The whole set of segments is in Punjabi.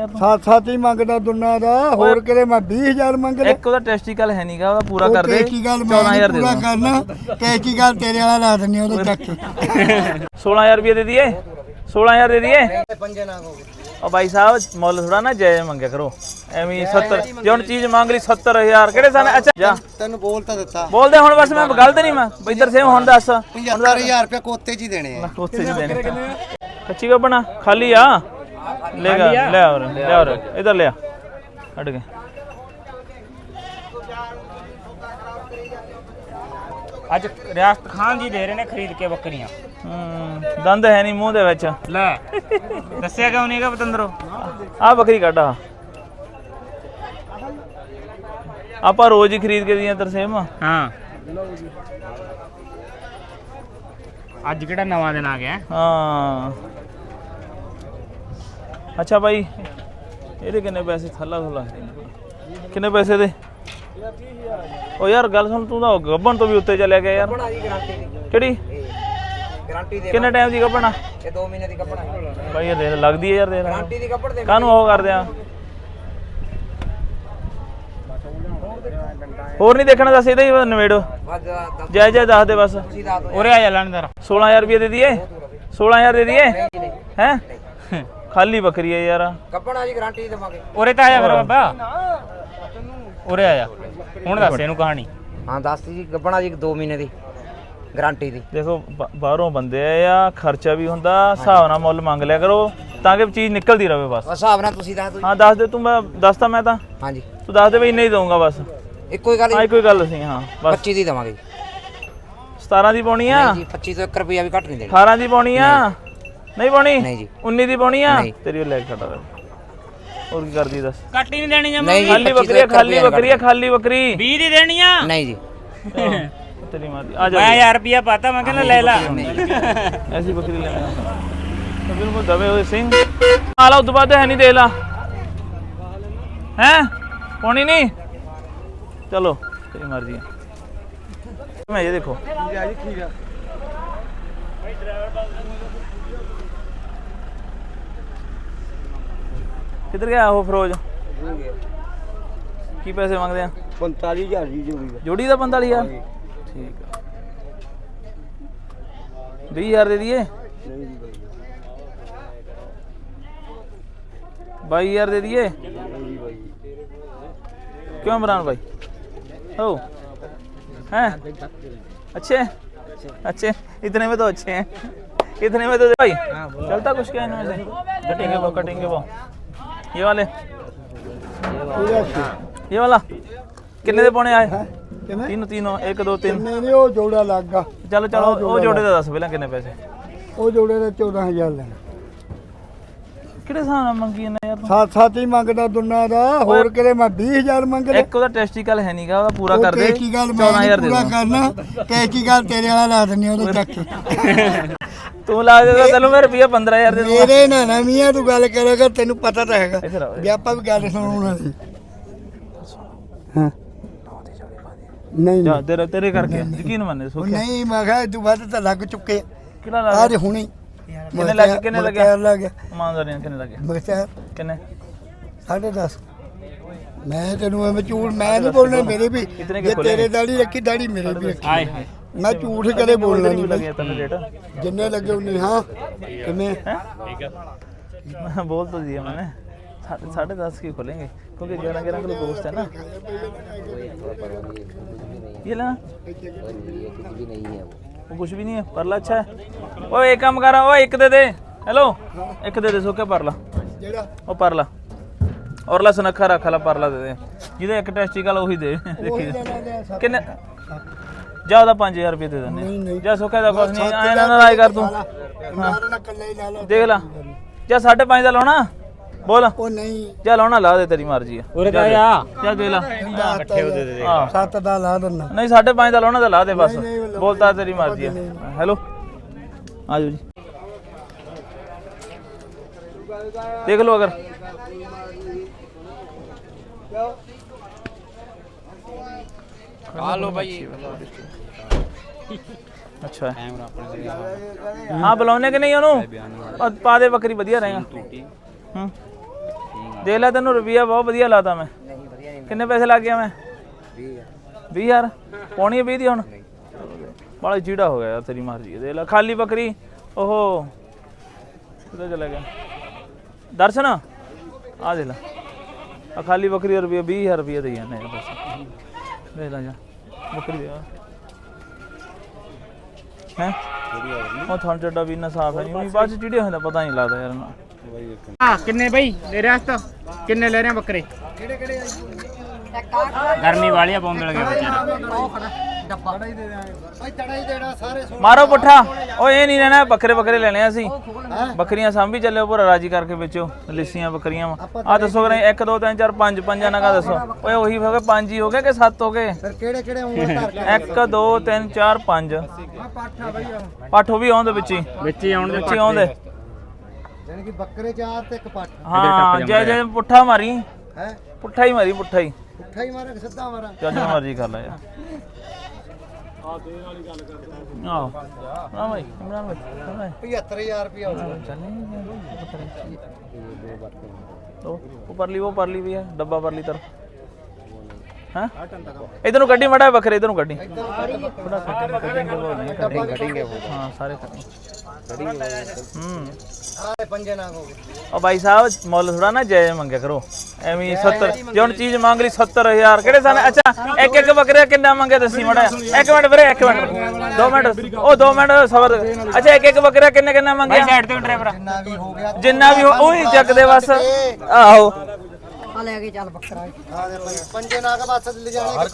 ਯਾਰ ਤੂੰ? 7-7 ਹੀ ਮੰਗਦਾ ਦੁਨਾ ਦਾ, ਹੋਰ ਕਿਤੇ ਮੈਂ 20,000 ਮੰਗਦਾ। ਇੱਕ ਉਹਦਾ ਟੈਸਟੀਕਲ ਹੈ ਨਹੀਂਗਾ, ਉਹਦਾ ਪੂਰਾ ਕਰ ਦੇ। ਟੈਸਟੀਕਲ ਮੈਂ 14,000 ਦੇ ਪੂਰਾ ਦੂੰ। ਕਰਨਾ, ਟੈਸਟੀਕਲ ਤੇਰੇ ਵਾਲਾ ਲਾ ਦਿੰਦੇ ਉਹਦੇ ਚੱਕ ਕੇ। 16,000 ਰੁਪਏ ਦੇ ਦਈਏ, 16,000 ਦੇ ਦਈਏ। ਉਹ ਭਾਈ ਸਾਹਿਬ ਮੁੱਲ ਥੋੜਾ ਨਾ ਜਾਇਜ਼ ਮੰਗਿਆ ਕਰੋ, ਐਵੇਂ 70 ਜੇ ਹੁਣ ਚੀਜ਼ ਮੰਗ ਲਈ 70,000 ਕਿਹੜੇ ਸਨ? ਅੱਛਾ ਜਾ ਤੈਨੂੰ ਬੋਲ ਤਾਂ ਦਿੱਤਾ, ਬੋਲਦੇ ਹੁਣ ਬਸ ਮੈਂ ਗਲਤ ਨਹੀਂ ਮੈਂ ਇੱਧਰ ਸੇ ਹੁਣ ਦੱਸ 75,000 ਰੁਪਏ ਕੋਤੇ 'ਚ ਹੀ ਦੇਣੇ ਆ। ਉੱਥੇ ਜੀ ਦੇਣੇ ਕੱਚੀ ਗੱਬਣਾ ਖਾਲੀ ਆ ਲੈਗਾ ਲੈ ਔਰ ਇਧਰ ਲਿਆ ਹਟ ਗਏ। ਅੱਜ ਰਿਆਸਤ ਖਾਨ ਜੀ ਦੇ ਰਹੇ ਨੇ ਖਰੀਦ ਕੇ ਬੱਕਰੀਆਂ। ਦੰਦ ਹੈ ਨਹੀਂ ਮੂੰਹ ਦੇ ਵਿੱਚ। ਲੈ ਦੱਸਿਆ ਕਿਉਂ ਨਹੀਂਗਾ ਪਤੰਦਰੋ? ਆ ਬੱਕਰੀ ਕੱਢ ਆ, ਆਪਾਂ ਰੋਜ਼ ਹੀ ਖਰੀਦ ਕੇ ਦੀਆਂ ਤਰਸੇਮ। ਹਾਂ ਅੱਜ ਕਿਹੜਾ ਨਵਾਂ ਦਿਨ ਆ ਗਿਆ? ਹਾਂ ਅੱਛਾ ਭਾਈ ਇਹਦੇ ਕਿੰਨੇ ਪੈਸੇ? ਥੱਲਾ ਕਿੰਨੇ ਪੈਸੇ ਦੇ? ਉਹ ਯਾਰ ਗੱਲ ਸੁਣ, ਤੂੰ ਤਾਂ ਗੱਬਣ ਤੋਂ ਵੀ ਉੱਤੇ ਚਲਿਆ ਗਿਆ ਯਾਰ। ਕਿਹੜੀ ਗਾਰੰਟੀ ਦੇ? ਕਿੰਨੇ ਟਾਈਮ ਦੀ ਗੱਬਣ ਆ? ਇਹ 2 ਮਹੀਨੇ ਦੀ ਗੱਬਣ ਹੈ ਭਾਈ ਇਹ ਦੇਖ ਲੱਗਦੀ ਹੈ ਯਾਰ, ਦੇਖ ਗਾਰੰਟੀ ਦੀ ਗੱਬਣ ਦੇ। ਕਾਹਨੂੰ ਉਹ ਕਰਦੇ ਆ? ਹੋਰ ਨਹੀਂ ਦੇਖਣਾ, ਦੱਸ ਇਹਦਾ ਹੀ ਨਵੇੜੋ ਜੈ ਜੈ ਦੱਸ ਦੇ ਬਸ। ਉਰੇ ਆ ਜਾ ਲੈਣਦਾਰ। 16,000 ਰੁਪਏ ਦੇ ਦਈਏ, 16,000 ਦੇ ਦਈਏ ਹੈ? ਖਾਲੀ ਬੱਕਰੀ ਹੈ ਯਾਰ। ਗੱਬਣ ਆ ਜੀ, ਗਾਰੰਟੀ ਦੇਵਾਂਗੇ। ਉਰੇ ਤਾਂ ਆ ਜਾ ਫਿਰ ਬਾਬਾ, ਉਰੇ ਆ ਜਾ। ਹੁਣ ਦੱਸ ਇਹਨੂੰ ਕਹਾਣੀ। ਹਾਂ ਦੱਸ ਜੀ, ਗੱਬਣ ਆ ਜੀ 2 ਮਹੀਨੇ ਦੀ ਗਾਰੰਟੀ ਦੀ। ਦੇਖੋ ਬਾਹਰੋਂ ਬੰਦੇ ਆ, ਖਰਚਾ ਵੀ ਹੁੰਦਾ, ਹਿਸਾਬ ਨਾਲ ਮੁੱਲ ਮੰਗ ਲਿਆ ਕਰੋ ਤਾਂ ਕਿ ਚੀਜ਼ ਨਿਕਲਦੀ ਰਹੇ ਬਸ। ਹਿਸਾਬ ਨਾਲ ਤੁਸੀਂ ਦੱਸ ਦਿਓ। ਹਾਂ ਦੱਸ ਦੇ ਤੂੰ, ਮੈਂ ਦੱਸਤਾ ਮੈਂ ਤਾਂ। ਹਾਂਜੀ ਤੂੰ ਦੱਸ ਦੇ ਬਈ ਇੰਨੇ ਹੀ ਦਊਂਗਾ ਬਸ। ਇੱਕੋ ਹੀ ਗੱਲ ਹਾਂ ਇੱਕੋ ਹੀ ਗੱਲ ਸੀ। ਹਾਂ ਬਸ 25 ਦੀ ਦੇਵਾਂਗੇ ਜੀ। 17 ਦੀ ਪਾਉਣੀ ਆ? ਜੀ 25 ਤੋਂ 1 ਰੁਪਿਆ ਵੀ ਘੱਟ ਨਹੀਂ ਦੇਣੀ। 18 ਦੀ ਪਾਉਣੀ ਆ? ਨਹੀਂ ਪਾਉਣੀ? ਨਹੀਂ ਜੀ। 19 ਦੀ ਪਾਉਣੀ ਆ? ਨਹੀਂ। ਤੇਰੀ ਉਹ ਲੈ ਕੇ ਖੜਾ ਹੋਰ ਕੀ ਕਰਦੀ ਦੱਸ? ਕੱਟ ਹੀ ਨਹੀਂ ਦੇਣੀ ਜਮਾ। ਨਹੀਂ ਜੀ, ਖਾਲੀ 25 ਬੱਕਰੀ ਆ, ਤੋਂ ਖਾਲੀ ਬੱਕਰੀ ਆ, ਖਾਲੀ ਬੱਕਰੀ। 20 ਦੀ ਦੇਣੀ ਆ? ਨਹੀਂ ਜੀ। ਤੇਰੀ ਮਾਂ ਦੀ ਆ ਜਾ। ਮੈਂ 1000 ਰੁਪਿਆ ਪਾਤਾ, ਮੈਂ ਕਹਿੰਦਾ ਲੈ ਲਾ। ਐਸੀ ਬੱਕਰੀ ਲੈਣਾ ਤਾਂ ਫਿਰ ਉਹ ਦਵੇ ਹੋਏ ਸਿੰਘ ਆਲਾ ਉਦੋਂ ਬਾਅਦ ਹੈ ਨਹੀਂ ਦੇ ਲਾ ਹੈ ਪਾਉਣੀ ਨਹੀਂ। ਚਲੋ ਤੇਰੀ ਮਰਜ਼ੀ ਹੈ। ਮੈਂ ਇਹ ਦੇਖੋ ਕਿੱਧਰ ਗਿਆ ਉਹ ਫਰੋਜ਼? ਕੀ ਪੈਸੇ ਮੰਗਦੇ ਆ? 45,000 ਜੀ ਜੋੜੀ ਦਾ। ਜੋੜੀ ਦਾ 45,000 ਠੀਕ ਆ। 20,000 ਦੇ ਦਈਏ? 22,000 ਦੇ दीजिए। क्यों इमरान भाई हो हैं अच्छे अच्छे इतने में तो अच्छे हैं, इतने में तो भाई चलता कुछ क्या इनमें से? कटेंगे वो ये वाले ये वाला कितने दे पौने आए? तीनों 1 2 3 नहीं वो जोड़ा लग गया। चलो चलो वो जोड़े का दस पहले कितने पैसे? वो जोड़े का 14,000 लेना। ਕਿਹੜੇ ਹਿਸਾਬ ਨਾਲ ਮੰਗੀ ਜਾਂਦਾ ਯਾਰ ਤੂੰ? 7-7 ਹੀ ਮੰਗਦਾ ਦੁਨਾ ਦਾ, ਹੋਰ ਕਿਤੇ ਮੈਂ 20,000 ਮੰਗਦਾ। ਇੱਕ ਉਹਦਾ ਟੈਸਟੀਕਲ ਹੈ ਨਹੀਂਗਾ, ਉਹਦਾ ਪੂਰਾ ਕਰ ਦੇ। ਟੈਸਟੀਕਲ ਮੈਂ 14,000 ਦੇ ਪੂਰਾ ਦੂੰ। ਕਰਨਾ, ਟੈਸਟੀਕਲ ਤੇਰੇ ਵਾਲਾ ਲਾ ਦਿੰਦੇ ਉਹਦੇ ਚੱਕ ਕੇ। ਤੂੰ ਲਾ ਦੇ ਤਾਂ ਤੈਨੂੰ ਮੈਂ ਰੁਪਈਆ 15,000 ਦੇ ਦੂੰਗਾ। ਮੇਰੇ ਨਾਲ ਨਾ ਮੀਆਂ ਤੂੰ ਗੱਲ ਕਰੇਗਾ, ਤੈਨੂੰ ਪਤਾ ਤਾਂ ਹੈਗਾ ਇੱਧਰ ਆ ਵੀ ਆਪਾਂ ਵੀ ਗੱਲ ਸੁਣਾਉਣਾ ਸੀ। ਹਾਂ ਨਹੀਂ ਜਾ ਤੇਰੇ ਕਰਕੇ ਯਕੀਨ ਮੰਨੇ ਉਹ ਸੋਖਿਆ। ਨਹੀਂ ਮੈਂ ਕਿਹਾ ਤੂੰ ਵੱਧ ਤਾਂ ਲੱਗ ਚੁੱਕੇ ਕਿਹੜਾ ਲਾ ਆ। ਹੁਣੀ ਕਿੰਨੇ ਲੱਗੇ? ਕਿੰਨੇ ਲੱਗਿਆ? ਲੱਗ ਗਿਆ ਇਮਾਨਦਾਰੀ ਨਾਲ ਕਿੰਨੇ ਲੱਗੇ? ਬਖਤਿਆਰ ਕਿੰਨੇ? 10.5। ਮੈਂ ਤੈਨੂੰ ਐਵੇਂ ਝੂਠ ਮੈਂ ਨਹੀਂ ਬੋਲਣਾ, ਮੇਰੇ ਵੀ ਕਿਤਨੇ ਜੇ ਕੇ ਤੇਰੇ ਦਾੜੀ ਰੱਖੀ ਦਾੜੀ ਮੇਰੇ ਵੀ ਰੱਖੀ। ਹਾਏ ਹਾਏ ਮੈਂ ਝੂਠ ਕਦੇ ਬੋਲਣਾ ਨਹੀਂ ਲੱਗੇ ਤੈਨੂੰ ਰੇਟ? ਜਿੰਨੇ ਲੱਗੇ ਉਹਨੇ। ਹਾਂ ਕਿਵੇਂ बोल तो दिया मैंने 10.5 की खोलेंगे क्योंकि 11 किलो गोश्त है ना। ये लेना वो कुछ भी नहीं है। परला अच्छा है। ओ एक काम कर, ओ एक दे हेलो एक दे सो क्या परला ਜਿਹੜਾ ओ परला और ला सुनखा रख ला परला दे ਜਿਹਦੇ ਇੱਕ ਟੈਸਟੀਕਲ ਉਹੀ ਦੇ ਦੇਖੀ ਕਿੰਨੇ ਜਾ ਉਹਦਾ 5,000 ਰੁਪਏ ਦੇ ਦਿੰਦੇ ਜਾ ਸੁੱਖਾ ਦਾ ਕੁਛ ਨਹੀਂ ਆਇਆ ਨਾ ਰਾਇ ਕਰ ਤੂੰ ਦੇਖ ਲਾ ਜਾ 5.5 ਦਾ ਲਾਉਣਾ ਬੋਲ। ਉਹ ਨਹੀਂ ਜਾ ਲਾਉਣਾ ਲਾ ਦੇ ਤੇਰੀ ਮਰਜ਼ੀ ਆ। ਉਰੇ ਤਾਂ ਆ ਜਾ ਦੇ ਲਾ ਇਕੱਠੇ ਹੋ ਦੇ ਹਾਂ 7 ਦਾ ਲਾ ਦਿੰਦਾ। ਨਹੀਂ 5.5 ਦਾ ਲਾਉਣਾ ਤਾਂ ਲਾ ਦੇ ਬਸ ਬੋਲਤਾ ਤੇਰੀ ਮਰਜ਼ੀ ਆ। ਹੈਲੋ ਆ ਜਾਓ ਜੀ देख लो अगर हेलो भाई अच्छा है। हाँ बुलाने के नहीं ओनू पा दे बकरी बढ़िया रहेगा। ਦੇਖ ਲੈ ਤੈਨੂੰ ਰੁਪਿਆ ਬਹੁਤ ਵਧੀਆ ਲਾਤਾ ਮੈਂ। ਨਹੀਂ ਵਧੀਆ ਨਹੀਂ ਕਿੰਨੇ ਪੈਸੇ ਲੱਗ ਗਿਆ ਮੈਂ? 20,000 ਪਾਉਣੀ ਹੈ 20 ਦੀ ਹੁਣ ਬੜਾ ਚੀੜਾ ਹੋ ਗਿਆ ਯਾਰ ਤੇਰੀ ਮਰਜ਼ੀ। ਦੇਖ ਲੈ ਖਾਲੀ ਬੱਕਰੀ ਉਹ ਕਿੱਥੇ ਚਲਾ ਗਿਆ ਦਰਸ਼ਨ ਆ ਦੇਖ ਲੈ ਆ ਖਾਲੀ ਬੱਕਰੀ ਰੁਪਿਆ 20,000 ਰੁਪਏ ਦੇ ਜਾਂਦੇ ਆ ਬਸ। ਦੇਖ ਲੈ ਜਾ ਬੱਕਰੀ ਦੇ ਹੈ ਉਹ ਥਣ ਚੱਡਾ ਵੀ ਇੰਨਾ ਸਾਫ ਹੈ ਨਹੀਂ ਬਾਅਦ ਚ ਚੀੜੇ ਹੁੰਦਾ ਪਤਾ ਨਹੀਂ ਲੱਗਦਾ ਯਾਰ ਨਾ। ਹਾਂ ਕਿੰਨੇ ਬਈ ਲੈ ਰਿਹਾ ਹਸਤਾ ਕਿੰਨੇ ਲੈ ਰਹੇ ਬੱਕਰੇ ਕਿਹੜੇ ਕਿਹੜੇ ਗਰਮੀ ਵਾਲੀਆ ਪੌਂਦਲ ਗਿਆ ਵਿਚਾਰਾ ਡੱਬਾ ਹੀ ਦੇ ਦੇਾਂਗੇ ਭਾਈ ਤੜਾ ਹੀ ਦੇਣਾ ਸਾਰੇ ਮਾਰੋ ਪੁੱਠਾ ਉਹ ਇਹ ਨਹੀਂ ਲੈਣਾ ਬੱਕਰੇ ਬੱਕਰੇ ਲੈਣੇ ਆ ਅਸੀਂ ਬੱਕਰੀਆਂ ਸਾਂਭੀ ਚੱਲਿਓ ਪੂਰਾ ਰਾਜੀ ਕਰਕੇ ਵੇਚੋ ਲਿੱਸੀਆਂ ਬੱਕਰੀਆਂ ਆ ਦੱਸੋ ਕਰੇ 1 2 3 4 5 ਪੰਜਾਂ ਨਾਲ ਦੱਸੋ ਓਏ ਉਹੀ ਹੋ ਗਏ 5 ਹੀ ਹੋ ਗਏ ਕਿ 7 ਹੋ ਗਏ ਫਿਰ ਕਿਹੜੇ ਕਿਹੜੇ ਉਂਗਲ ਧਰ ਕੇ 1 2 3 4 5 ਪਾਠਾ ਬਈ ਪਾਠੋ ਵੀ ਆਉਂਦੇ ਵਿੱਚ ਵਿੱਚ ਹੀ ਆਉਣ ਦੇ ਵਿੱਚ ਹੀ ਆਉਂਦੇ ਯਾਨੀ ਕਿ ਬੱਕਰੇ 4 ਤੇ ਇੱਕ ਪਾਠਾ ਹਾਂ ਜੈ ਪੁੱਠਾ ਮਾਰੀ ਹੈ ਪੁੱਠਾ ਹੀ ਮਾਰੀ ਪੁੱਠਾ ਹੀ ਉੱਠਾ ਹੀ ਮਾਰਾ ਕਿ ਸਿੱਧਾ ਮਾਰਾ ਚੱਲ ਜੋ ਮਰਜ਼ੀ ਕਰ ਲੈ ਯਾਰ ਆਹ ਨਾ ਭਾਈ ਇਮਰਾਨ ਭਾਈ 75000 ਰੁਪਇਆ ਹੋਊਗਾ ਚੱਲੇ ਉਹ ਪਰਲੀ ਵੀ ਹੈ ਡੱਬਾ ਪਰਲੀ ਤਰ ਹਾਂ ਇਧਰ ਨੂੰ ਗੱਡੀ ਮੜਾ ਬੱਕਰੇ ਇਧਰ ਨੂੰ ਗੱਡੀ ਹਾਂ ਸਾਰੇ ਸਾਰੇ ਪੰਜੇ ਨਾਗ ਹੋ ਗਏ ਉਹ ਭਾਈ ਸਾਹਿਬ ਮੁੱਲ ਥੋੜਾ ਨਾ ਜਾਇਜ਼ ਮੰਗਿਆ ਕਰੋ ਐਵੇਂ 70 ਜੇ ਹੁਣ ਚੀਜ਼ ਮੰਗ ਲਈ 70000 ਕਿਹੜੇ ਸਨ ਅੱਛਾ ਇੱਕ ਇੱਕ ਬੱਕਰੇ ਕਿੰਨਾ ਮੰਗੇ ਦੱਸੀ ਮੜਾ ਇੱਕ ਮਿੰਟ ਵੀਰੇ ਇੱਕ ਮਿੰਟ 2 ਮਿੰਟ ਉਹ 2 ਮਿੰਟ ਸਬਰ ਅੱਛਾ ਇੱਕ ਇੱਕ ਬੱਕਰੇ ਕਿੰਨਾ ਮੰਗਿਆ ਸਾਈਡ ਤੇ ਡਰਾਈਵਰ ਜਿੰਨਾ ਵੀ ਹੋ ਗਿਆ ਜਿੰਨਾ ਵੀ ਉਹੀ ਚੱਕਦੇ ਬਸ ਆਹੋ ਆ ਲੈ ਕੇ ਚੱਲ ਬੱਕਰਾ ਆ ਦੇ ਪੰਜੇ ਨਾਗ ਬਸ ਲੈ ਜਾਣੇ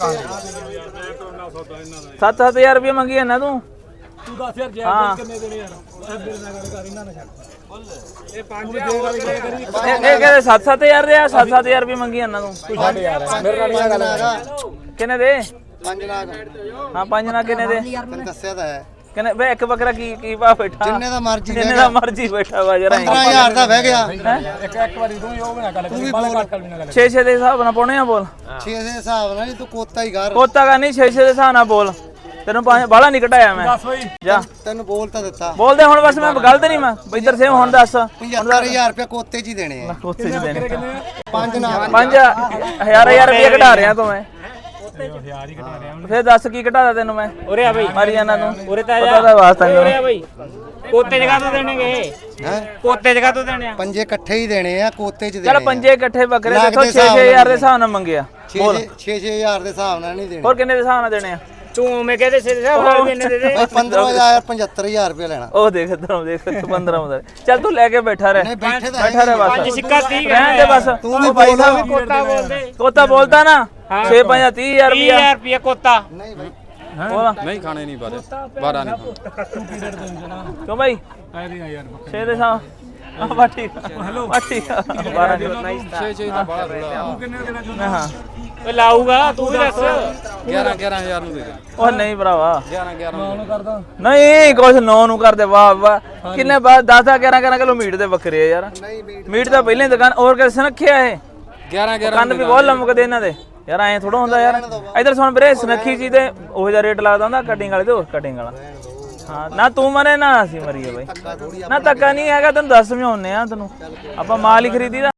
7-7000 ਰੁਪਏ ਮੰਗੀ ਹੈ ਨਾ ਤੂੰ ਤੂੰ ਦੱਸ ਯਾਰ ਜੈ ਕਿੰਨੇ ਦੇਣੇ ਯਾਰ ਮੇਰੇ ਨਾਲ ਗੱਲ ਕਰ ਇਹਨਾਂ ਨਾਲ ਛੱਡ ਇਹ 5 ਦੇ ਵਾਲੀ ਗੱਲ ਕਰੀ ਇਹ ਕਹਿੰਦੇ 7-7000 ਦੇ ਆ 7-7000 ਰੁਪਏ ਮੰਗੀ ਹੈ ਨਾ ਤੂੰ ਛੱਡ ਯਾਰ ਮੇਰੇ ਨਾਲ ਗੱਲ ਕਿੰਨੇ ਦੇ ਪੰਜ ਨਾਗ ਹਾਂ 5 ਨਾ ਕਿੰਨੇ ਦੇ ਤੈਨੂੰ ਦੱਸਿਆ ਤਾਂ ਹੈ ਕਿੰਨੇ ਵੇ ਇੱਕ ਬੱਕਰਾ ਕੀ ਭਾ ਬੈਠਾ ਜਿੰਨੇ ਦਾ ਮਰਜ਼ੀ ਜਿੰਨੇ ਦਾ ਮਰਜ਼ੀ ਬੈਠਾ ਵਾ ਜਰਾ 15000 ਦਾ ਬਹਿ ਗਿਆ ਇੱਕ ਵਾਰੀ ਤੂੰ ਹੀ ਉਹ ਨਾ ਗੱਲ ਕਰੀ ਬਾਲਾ ਘੱਟ ਵੀ ਨਾ ਗੱਲ 6-6 ਦੇ ਹਿਸਾਬ ਨਾਲ ਪਾਉਣੇ ਆ ਬੋਲ 6 ਦੇ ਹਿਸਾਬ ਨਾਲ ਨਹੀਂ ਤੂੰ ਕੋਤਾ ਹੀ ਕਰ ਕੋਤਾ ਕਾ ਨਹੀਂ 6-6 ਦੇ ਹਿਸਾਬ ਨਾਲ ਬੋਲ ਤੈਨੂੰ ਬਾਹਲਾ ਨਹੀਂ ਘਟਾਇਆ ਮੈਂ ਦੱਸ ਬਈ ਜਾ ਤੈਨੂੰ ਬੋਲ ਤਾਂ ਦਿੱਤਾ ਬੋਲਦੇ ਹੁਣ ਬਸ ਮੈਂ ਗਲਤ ਨਹੀਂ ਮੈਂ ਇੱਧਰ ਸੇ ਹੁਣ ਦੱਸ 75000 ਰੁਪਏ ਕੋਤੇ 'ਚ ਹੀ ਦੇਣੇ ਆ ਉੱਥੇ ਜੀ ਦੇਣੇ ਪੰਜ ਨਾਗ 5000 ਰੁਪਏ ਘਟਾ ਰਿਹਾ ਤੂੰ ਮੈਂ ਯਾਰ ਹੀ ਘਟਾ ਰਿਹਾ ਫੇਰ ਦੱਸ ਕੀ ਘਟਾਦਾ ਤੈਨੂੰ ਮੈਂ ਉਰੇ ਆ ਬਈ ਮਾਰੀ ਜਾਨਾ ਤੂੰ ਉਰੇ ਤਾਂ ਪਤਾ ਦਾ ਵਾਸਤਾ ਨਹੀਂ ਉਰੇ ਆ ਬਈ ਕੋਤੇ ਜਗ੍ਹਾ ਤੋਂ ਦੇਣਗੇ ਹੈ ਕੋਤੇ ਜਗ੍ਹਾ ਤੋਂ ਦੇਣੇ ਆ ਪੰਜੇ ਇਕੱਠੇ ਹੀ ਦੇਣੇ ਆ ਕੋਤੇ 'ਚ ਚੱਲ ਦੇਣੇ ਪੰਜੇ ਇਕੱਠੇ ਬੱਕਰੇ ਲੱਖ ਦੇਖੋ ਦੇ ਹਿਸਾਬ 6-6000 ਦੇ ਹਿਸਾਬ ਨਾਲ ਮੰਗਿਆ 6-6000 ਦੇ ਹਿਸਾਬ ਨਾਲ ਨਹੀਂ ਦੇਣੇ ਹੋਰ ਕਿੰਨੇ ਦੇ ਹਿਸਾਬ ਨਾਲ ਦੇਣੇ ਆ ਤੂੰ ਮੈਂ ਕਹਦੇ ਸਿਰ ਸਾਹਿਬ ਨਾਲ ਵੀ ਇੰਨੇ ਦੇ ਦੇ ਬਈ 15000 75000 ਰੁਪਏ ਲੈਣਾ ਉਹ ਦੇਖ ਇਧਰੋਂ ਦੇਖ 15 ਹੁੰਦਾ ਚੱਲ ਤੂੰ ਲੈ ਕੇ ਬੈਠਾ ਰਹਿ ਨਹੀਂ ਬੈਠੇ ਤਾਂ ਬੈਠਾ ਰਹਿ ਪੰਜ ਬਸ ਸਿੱਕਾ 30 ਰਹਿਣ ਦੇ ਬਸ ਤੂੰ ਵੀ ਭਾਈ ਬੋਲ। ਸਾਹਿਬ ਕੋਤਾ ਬੋਲਦੇ ਕੋਤਾ ਬੋਲਦਾ ਨਾ 6-5-30,000 ਰੁਪਇਆ 30000 ਰੁਪਏ ਕੋਤਾ ਨਹੀਂ ਬਈ ਬੋਲਾ ਨਹੀਂ ਖਾਣੇ ਨਹੀਂ ਬਾਰੇ 12 ਨਹੀਂ ਕਿਉਂ ਭਾਈ ਆਏ ਨਹੀਂ ਯਾਰ 6 ਦੇ ਸਾਹ ਆ ਬਾ ਠੀਕ ਬਾ ਠੀਕ 12 ਦੀ 6 ਦਾ ਬੜਾ ਥੋੜਾ ਕਿੰਨੇ ਦੇਣਾ ਚਾਹੁੰਦਾ ਹਾਂ ਓਏ ਲਾਊਗਾ ਤੂੰ ਵੀ ਦੱਸ 11000 ਨੂੰ ਦੇ ਦੇ ਉਹ ਨਹੀਂ ਭਰਾਵਾ 11 ਨੂੰ ਕਰਦਾ ਨਹੀਂ ਕੁਛ 9 ਨੂੰ ਕਰਦੇ ਵਾਹ ਵਾਹ ਕਿੰਨੇ ਬਾਅਦ 10-11 ਕਿਲੋ ਮੀਟ ਦੇ ਬੱਕਰੇ ਆ ਯਾਰ ਮੀਟ ਤਾਂ ਪਹਿਲਾਂ ਹੀ ਦੁਕਾਨ ਹੋਰ ਕਿਸੇ ਰੱਖਿਆ ਇਹ 11 ਕੰਨ ਵੀ ਬਹੁਤ ਲੰਮਕਦੇ ਇਹਨਾਂ ਦੇ ਯਾਰ ਐਂ ਥੋੜਾ ਹੁੰਦਾ ਯਾਰ ਇਧਰ ਸੁਣ ਵੀਰੇ ਸੁਨੱਖੀ ਜੀ ਤੇ ਉਹ ਜਿਹਾ ਰੇਟ ਲੱਗਦਾ ਹੁੰਦਾ ਕਟਿੰਗ ਵਾਲੇ ਤੇ ਉਹ ਕਟਿੰਗ ਵਾਲਾ ਹਾਂ ਨਾ ਤੂੰ ਮਰੇ ਨਾ ਅਸੀਂ ਮਰੀਏ ਬਾਈ ਨਾ ਧੱਕਾ ਨਹੀਂ ਹੈਗਾ ਤੈਨੂੰ ਦੱਸ ਸਮਝਾਉਨੇ ਆ ਤੈਨੂੰ ਆਪਾਂ ਮਾਲ ਹੀ ਖਰੀਦੀ ਦਾ